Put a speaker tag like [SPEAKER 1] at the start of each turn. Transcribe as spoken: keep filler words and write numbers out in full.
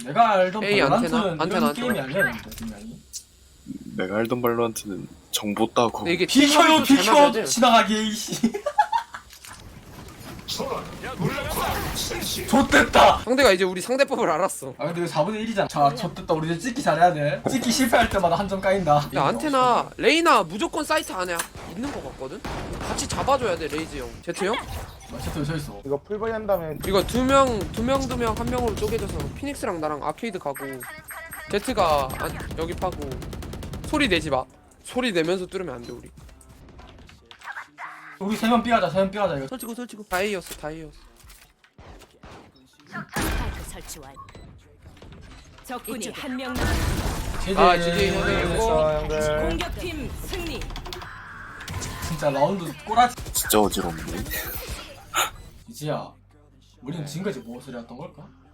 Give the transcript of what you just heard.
[SPEAKER 1] 내가 알던
[SPEAKER 2] 에이, 안테나,
[SPEAKER 1] 발란트는
[SPEAKER 2] 안테나,
[SPEAKER 1] 이런
[SPEAKER 2] 안테나.
[SPEAKER 1] 게임이 아니었는데 분명히.
[SPEAKER 3] 내가 알던 발로한테는 정보 따고
[SPEAKER 2] 근데 이게
[SPEAKER 1] 비켜요
[SPEAKER 2] 팀워크도 잘 맞아야
[SPEAKER 1] 비켜
[SPEAKER 2] 돼.
[SPEAKER 1] 지나가게 이씨. 좆됐다.
[SPEAKER 2] 상대가 이제 우리 상대법을 알았어.
[SPEAKER 1] 아 근데 이거 사분의 일이잖아. 자 좆됐다. 우리 이제 찍기 잘해야 돼. 찍기 실패할 때마다 한 점 까인다.
[SPEAKER 2] 야 안테나 레이나 무조건 사이트 안에 있는 거 같거든? 같이 잡아줘야 돼 레이즈 형. 제트 형?
[SPEAKER 1] 제트 서 있어.
[SPEAKER 4] 이거 풀버리 한 다음에
[SPEAKER 2] 이거 두 명, 두 명, 두 명, 한 명으로 쪼개져서 피닉스랑 나랑 아케이드 가고 제트가 안, 여기 파고 소리 내지 마. 소리 내면서 뚫으면 안 돼 우리.
[SPEAKER 1] 우리 세명 삐하자. 세명 삐하자 이거.
[SPEAKER 2] 설치고 설치고. 다이였어 다이였어.
[SPEAKER 5] 스파이크 설치 완. 적군이 한 명 남.
[SPEAKER 1] 제제.
[SPEAKER 2] 아, 제제 형이
[SPEAKER 4] 됐어 형들.
[SPEAKER 5] 공격팀 승리.
[SPEAKER 1] 진짜 라운드 꼬라지.
[SPEAKER 3] 진짜 어지럽네.
[SPEAKER 1] 이지야. 우리는 지금까지 무엇을 해왔던 걸까?